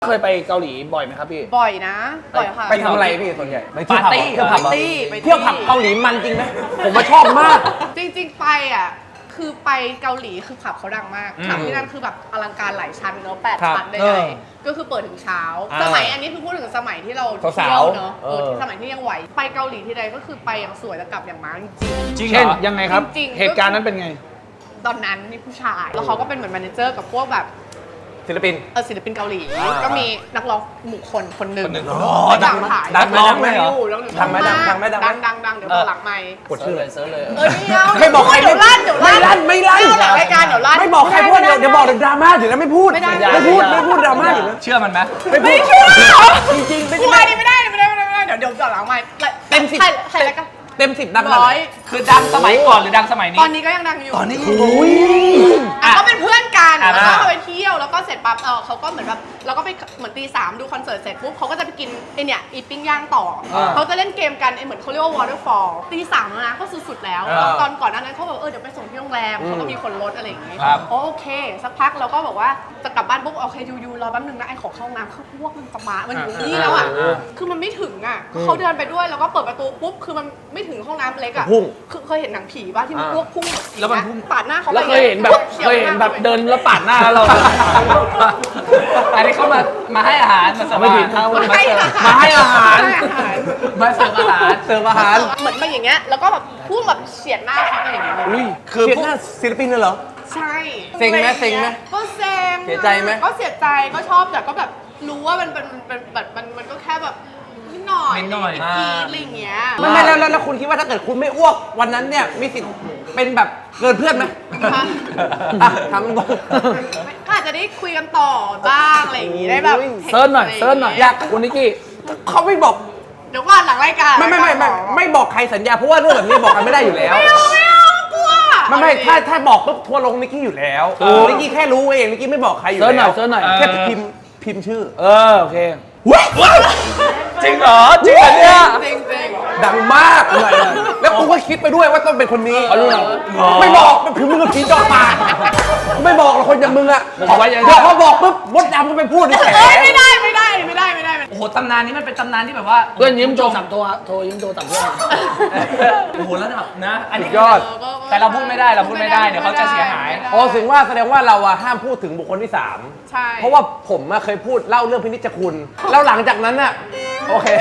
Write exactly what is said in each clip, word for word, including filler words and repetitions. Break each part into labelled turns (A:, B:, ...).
A: เคยไปเกาหลีบ่อยไหมครับพี่
B: บ่อยนะบ่อยค่ะ
C: ไปทำอะไรพี่ส่วนใหญ่ไป
A: ปาร์ตี้
C: เที่ยวผับ
B: ปาร์ตี้ไป
C: เที่ยวผับเกาหลีมันจริงไหมผมมาชอบมาก
B: จริงๆไปอ่ะคือไปเกาหลีคือผับเขาดังมากผับที่นั่นคือแบบอลังการหลายชั้นเนอะแปด
C: ครับ
B: ชั้นได้
C: เอ
B: เล
C: อ
B: ยก็คือเปิดถึงเช้า
C: อ่า
B: สมัยอันนี้คือพูดถึงสมัยที่เรา
C: สาวๆ
B: เที่ยวเนอะ
C: เอ
B: เอ
C: อ
B: อที่สมัยที่ยังไหวไปเกาหลีที่ใดก็คือไปอย่างสวยแล้วกลับอย่างม้าจริง
A: จริงเช่นยังไงครับ
B: จริงๆ
A: เหตุการณ์นั้นเป็นไง
B: ๆตอนนั้นมีผู้ชายแล้วเขาก็เป็นเหมือนแมเนเจอร์กับพวกแบบ
C: ศิลปิน
B: เออศิลปินเกาหลี
C: อ่า
B: ก็มีนักร้องหมู่คนคนหนึ่ง
C: คนหนึ่ง
B: ไม่ดังถ่าย
C: ดังไหมดังไหมเหรอ
B: อยู่
C: ดังไหมดังดังไหมดังไหม
B: ดังดังดังเดี๋ยวบอกหลังไม่
C: กดชื่อเลย
A: เซิร์ชเลย
B: เออไม่เอา
C: ไม่บอกใคร
B: เดี๋ยวลั่นเดี๋ยวลั่น
C: ไม่ลั่นไม่ลั่น
B: เอาหลังรายการเดี๋ยวลั่น
C: ไม่บอกใครพูดเดี๋ยวเดี๋ยวบอกเดี๋ยวดราม่าอยู่แล้วไม่พูด
B: ไม่ได้
C: ไม่พูดไม่พูดดราม่าอยู่แล้ว
D: เชื่อมันไหม
C: ไม่พู
B: ไม่
C: ด
B: เชื่อ
C: จริงๆไม่
B: กลัว
C: ใช่
B: ดิไม่ได้ไม่ได้ไม่ได้ไม่ได้เดี๋ยวเดี๋ยวบอกหลังไม่
C: เต็มสิบ
B: ใครใครแล้วกัน
C: เต็มสิบดังขนาด
B: ร้
C: ไห
B: อน ย
D: คือดังสมัยก่อนหรือดังสมัยนี้
B: ตอนนี้ก็ยังดังอยู่
D: ตอนนี้
C: โอ้ย
B: อ่ะก็เป็นเพื่อนกัน
D: อ่ะ
B: แล้วก็ไปเที่ยวแล้วก็เสร็จปั๊บเออเขาก็เหมือนแบบเราก็ไปเหมือนตีสามดูคอนเสิร์ตเสร็จปุ๊บเขาก็จะไปกินไอเนี่ยอีปิ้งย่างต่ออา เขาจะเล่นเกมกันไอเหมือนเขาเรียกว่า waterfall ตีสามแล้วนะก็สุดๆแล้ว
C: อ่า
B: ตอนก่อนหน้านั้นเขาบอกเออเดี๋ยวไปส่งที่โรงแรมเขาก็มีคนรถอะไรอย่างงี้
D: ครับ
B: โอเค สักพักเราก็บอกว่าจะกลับบ้านปุ๊บโอเคยูยูรอแป๊บนึงนะไอขอเข้าห้องน้ำคือพวกมันจะมามันอยู่นี่แล้วอ่ะคือมันไม่ถึงอ่ะเขาเดินไปด้วยแล้วก็เปิดประตูปุ๊บคือมันไม่ถึงห้องน้ำเล็กอ่ะ
C: พุ่ง
B: คือเคยเห็นหนังผีป่ะที่มัน
C: อ่า
B: พวกพุ่ง
D: แล้วมันพุ่ง
B: ปาดหน้าเขาไป
A: แล้วเคยเห็นแบบเคยเห็นแบบเดินแล้วปาดหน้าแล้วเรา
D: อันนี้เขามามาให้อาหารมาเสิร์ฟ
A: ไม่
D: อา
A: ผิ
D: หา
A: ด
D: ร
B: มาให้อาหาร
A: มาให้อาหาร
B: ให้อาหาร
D: มาเสิร์ฟอาหาร
C: เสิร์ฟอาหาร
B: เหมือนมาอย่างเงี้ยแล้วก็แบบพุ่งแบบเฉียดหน้าเขาไปอย่างเงี้ยเลย
A: อุ้ย
C: คือพวกศิลปินเลยเหรอ
B: ใช่
C: เซ็งไหมเซ็งไหม
B: ก็เซ็ง
C: เสียใจไหม
B: ก็เสียใจก็ชอบแต่ก็แบบรู้ว่ามันเป็นมันเป็นแบบมันมันก็แค่แบบนิดหน่อย
D: นิดหน่อย
B: กรีดอะไรอย่างเงี้ย
C: ไม่ไม่แล้วแล้วแล้วคุณคิดว่าถ้าเกิดคุณไม่อ้วกวันนั้นเนี่ยมีสิทธิ์เป็นแบบเกินเพื่อนไหม
B: คะ
C: อ่ะทำมันบอก
B: ก็อาจจะได้คุยกันต่อบ้างอะไรอย่างงี้ได้แบบ
A: เซิร์ชหน่อยเซิร์ชหน่อยอยากคุณนิกกี้
C: เขาไม่บอก
B: เดี๋ยวก่อนหลังรายการ
C: ไม่ไม่ไม่ไม่ไม่บอกใครสัญญาเพราะว่าเรื่องแบบนี้บอกกันไม่ได้อยู่แล้ว
B: ไม่เอาไม่เอากลัว
C: ไม่ไม่ถ้าถ้าบอกปุ๊บทัวร์ลงนิกกี้อยู่แล้วนิกกี้แค่รู้เองนิกกี้ไม่บอกใครอยู่
A: เซิร์ชหน่
C: แล้
A: อยว เซิร์ชหน่อย
C: แค่พิมพ์พิมพ์ชื่อ
A: เออโอเค
D: จริงเหรอจริงเหรอเนี่ย
B: จริงจริง
C: ดังมาก แล้วกูก็คิดไปด้วยว่าต้องเป็นคนนี้
A: เขารู้เหรอ
C: ไม่บอกมันคือมึงกับผีจอปากไม่บอกหรอกคนอย่างมึงอะ
A: ผมไว้ใจได้
C: เดี๋ยวพอบอกปุ๊บมดดำก็ไปพูดในแฉ
B: เอ้ยไม่ได้ไม่ได้ไม่ได้ไม่ได้ไม่ได้
D: โอ้โหตำนานนี้มันเป็นตำนานที่แบบว่า
A: เพื่อนยิ้มโทรศัพท์โทรโทรยิ้มโทรศัพท์เพื่อน
D: โอ้โหระดับนะ อันนี้
C: ยอด
D: แต่เราพูดไม่ได้เราพูดไม่ได้เดี๋ยวเขาจะเสียหาย
C: อ๋อถึงว่าแสดงว่าเราอะห้ามพูดถึงบุคคลที่สาม
B: ใช่
C: เพราะว่าผมอะเคยพูดเล่าเรื่องพินิจคุณ แล้วหลังจากนั้นอะโอเค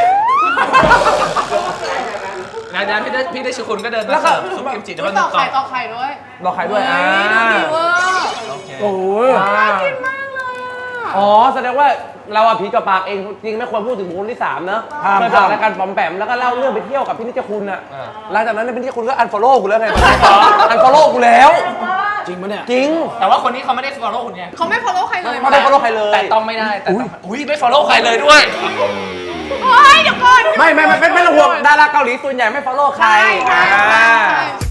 D: งานนั้นพี่ได้พี่ได้ชื่อคุณก็เดิน
C: แล้
D: มาว
C: ก็
D: เสิร์ฟซุปกิมจิ
B: ต่
D: แล้ว
B: อ
D: มัน
B: ไข่ต่อไข่ด้วย
C: บอกใครด้วยอ่า
B: เฮ้ยดูดีเวอร์
A: โอ้ย
C: อ่า
B: กินมากเลยอ่ะ
C: อ๋อแสดงว่าเราอะผีกับปากเองจริงไม่ควรพูดถึงบุคคลที่สามเนอะ
A: ห้าม
C: เคยบอกรายการปอมแปมแล้วก็เล่าเรื่องไปเที่ยวกับพินิจคุณอะหลังจากนั้นเนยพินิจคุณก็อันฟอลโล่กูแล้วไงอันฟอลโล่กูแล้ว
A: จริงปะเนี่ย
C: จริง
D: แต่ว่าคนนี้เขาไม่ได้ follow คุณไง
B: เขาไม่ follow ใครเลย
C: ไม่ได้ follow ใครเลย
D: แต่ต้องไม่ได้แต่ต้องอุ้ยไม่ follow ใครเลยด้วย
B: เฮ้ยเดี๋ยวก่อน
C: ไม่ไม่ไม่ไม่ไม่ต้องห่วงดาราเกาหลีส่วนใหญ่ไม่ follow ใคร
B: ใช่ใช่
C: อ่า
B: ใช่